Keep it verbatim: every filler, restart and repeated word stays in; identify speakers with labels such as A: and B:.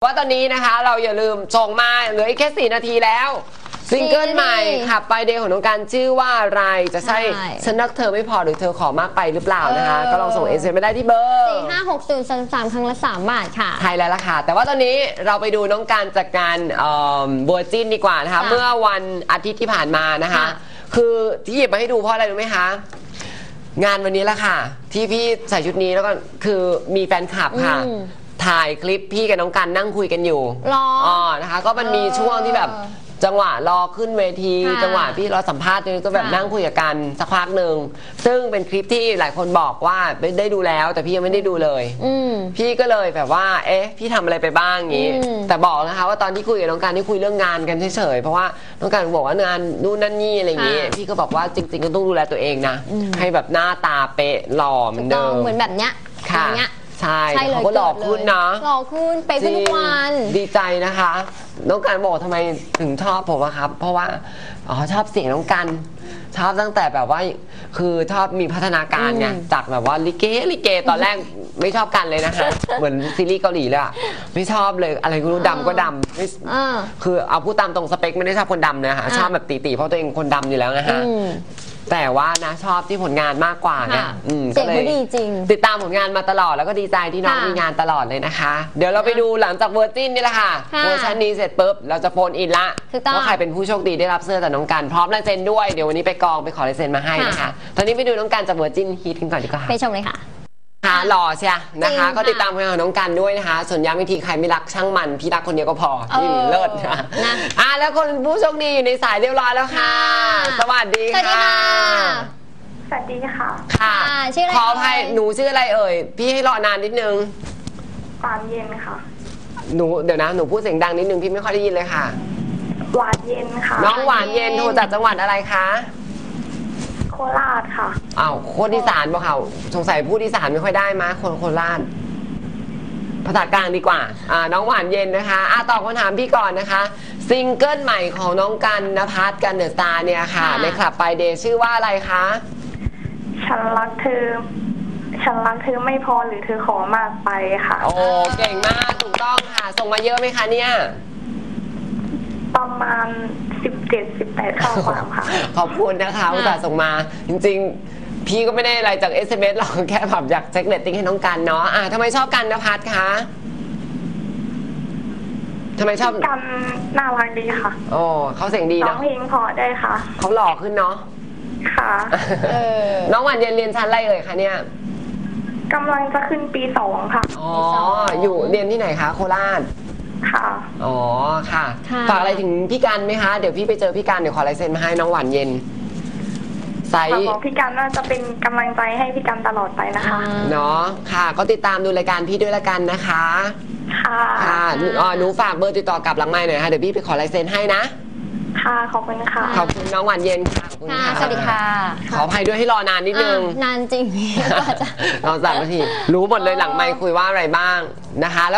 A: ว่าตอนนี้นะคะเราอย่าลืมส่งมาเหลืออีกแค่สี่นาทีแล้วซิงเกิลใหม่ขับไปเดย์ของน้องการชื่อว่าอะไรจะใช่ฉันรักเธอไม่พอหรือเธอขอมากไปหรือเปล่านะคะก็ลองส่งเอสเอ็มมาได้ที่เบอร์
B: สี่ห้าหกศูนย์สามสามครั้งละสามบาทค่ะ
A: ใช่แล้วล่ะค่ะแต่ว่าตอนนี้เราไปดูน้องการจากการบัวจิ้นดีกว่านะคะเมื่อวันอาทิตย์ที่ผ่านมานะคะคือที่หยิบมาให้ดูเพราะอะไรรู้ไหมคะงานวันนี้แหละค่ะที่พี่ใส่ชุดนี้แล้วก็คือมีแฟนคลับค่ะถ่ายคลิปพี่กับน้องกันนั่งคุยกันอยู่อ๋อนะคะก็มันมีช่วงที่แบบจังหวะรอขึ้นเวทีจังหวะพี่รอสัมภาษณ์ก็แบบนั่งคุยกันสักพักหนึ่งซึ่งเป็นคลิปที่หลายคนบอกว่าได้ดูแล้วแต่พี่ยังไม่ได้ดูเลยพี่ก็เลยแบบว่าเอ๊ะพี่ทำอะไรไปบ้างอย่างนี้แต่บอกนะคะว่าตอนที่คุยกับน้องกันที่คุยเรื่องงานกันเฉยๆเพราะว่าน้องกันบอกว่างานนู่นนั่นนี่อะไรอย่างนี้พี่ก็บอกว่าจริงๆก็ต้องดูแลตัวเองนะให้แบบหน้าตาเป๊ะหล่อเหมือนเดิม
B: เหมือนแบบเนี้ย
A: ค่ะใช่เขาก็หล่อขึ้นนะ
B: หล่อขึ้นไปขึ้นทุกวัน
A: ดีใจนะคะน้องกันบอกทำไมถึงชอบผมอะครับเพราะว่าอ๋อชอบเสียงน้องกันชอบตั้งแต่แบบว่าคือชอบมีพัฒนาการไงจากแบบว่าลิเกลิเกตอนแรกไม่ชอบกันเลยนะคะเหมือนซีรีส์เกาหลีเลยอะไม่ชอบเลยอะไรก็รู้ดำก็ดำไม่คือเอาพูดตามตรงสเปคไม่ได้ชอบคนดำนะคะชอบแบบตีๆเพราะตัวเองคนดำอยู่แล้วนะคะแต่ว่านะชอบที่ผลงานมากกว่านะ
B: เจ๋งดีจริง
A: ติดตามผลงานมาตลอดแล้วก็ดีใจที่น้องมีงานตลอดเลยนะคะเดี๋ยวเราไปดูหลังจากเวอร์จินนี่แหละค่ะเวอร์ชันนี้เสร็จปุ๊บเราจะโฟนอินละว่าใครเป็นผู้โชคดีได้รับเสื้อจากน้องกันพร้อมลายเซ็นด้วยเดี๋ยววันนี้ไปกองไปขอลายเซ็นมาให้นะคะตอนนี้ไปดูน้องกันจากเวอร์จินฮีทกันก่อนดีกว่า
B: ไปชมเลยค่ะ
A: ค่ะหล่อเชียนะคะก็ติดตามผลงานของน้องกันด้วยนะคะส่วนย้ำวิธีใครไม่รักช่างมันพี่รักคนเดียวก็พอนี่เลิศนะอ่ะแล้วคนผู้โชคดีอยู่ในสายเรียบร้อยแล้วค่ะสวัสดีค่ะ
C: สวัสดีค่ะ
A: ค่ะชื่ออะไรขออภัยหนูชื่ออะไรเอ่ยพี่ให้รอนานนิดนึง
C: หวานเย็นค่ะ
A: หนูเดี๋ยวนะหนูพูดเสียงดังนิดนึงพี่ไม่ค่อยได้ยินเลยค่ะ
C: หวานเย็นค่ะ
A: น้องหวานเย็นโทรจากจังหวัดอะไรคะ
C: โคราชค่ะ
A: อ้าวคนอีสานป่ะค่ะสงสัยพูดอีสานไม่ค่อยได้มั้ยคนโคราชภาษากลางดีกว่าอ่าน้องหวานเย็นนะคะอ่ะตอบคำถามพี่ก่อนนะคะซิงเกิลใหม่ของน้องกันณภัสกันเดอะสตาร์เนี่ยค่ะในคลับไปเดย์ชื่อว่าอะไรคะ
C: ฉันรักเธอฉันรักเธอไม่พอหรือเธอขอมากไปค่ะ
A: โอ้เก่งมากถูกต้องค่ะส่งมาเยอะไหมคะเนี่ย
C: ประมาณสิบเจ็ด สิบแปดข้อความค่ะ
A: ขอบคุณนะคะอุตส่าห์ส่งมาจริงๆพี่ก็ไม่ได้อะไรจาก เอส เอ็ม เอส หรอกแค่แบบอยากเช็คเรตติ้งให้น้องกันเนาะอ่ะทำไมชอบกันณภัสคะทำไมชอบ
C: กันน่ารักดีค่ะ
A: โอ้เขาเสียงดีเนาะ
C: ร้องเพลงพอได้ค่ะ
A: เขาหล่อขึ้นเนาะ
C: ค่ะ
A: น้องหวานเย็นเรียนชั้นอะไรเอ่ยคะเนี่ย
C: กำลังจะขึ้นปีสองค่ะ
A: อ๋ออยู่เรียนที่ไหนคะโคราช
C: ค่ะ
A: อ๋อค่ะฝากอะไรถึงพี่กันไหมคะเดี๋ยวพี่ไปเจอพี่กันเดี๋ยวขอลายเซ็นมาให้น้องหวานเย็น
C: ไซส์บอกพี่กันว่าจะเป็นกำลังใจให้พี่กันตลอดไปนะคะ
A: เนาะค่ะก็ติดตามดูรายการพี่ด้วยละกันนะคะ
C: ค่ะ
A: ค่ะอ๋อหนูฝากเบอร์ติดต่อกลับหลังไมค์หน่อยค่ะเดี๋ยวพี่ไปขอลายเซ็นให้นะ
C: ค่ะขอบคุณค่ะ
A: ขอบคุณน้องหวานเย็นค่ะขอบคุณค่ะ
B: สวัสดีค่ะ
A: ขออภัยด้วยให้รอนานนิดนึง
B: นานจริง
A: เราสามนาทีรู้หมดเลยหลังไมค์คุยว่าอะไรบ้างนะคะ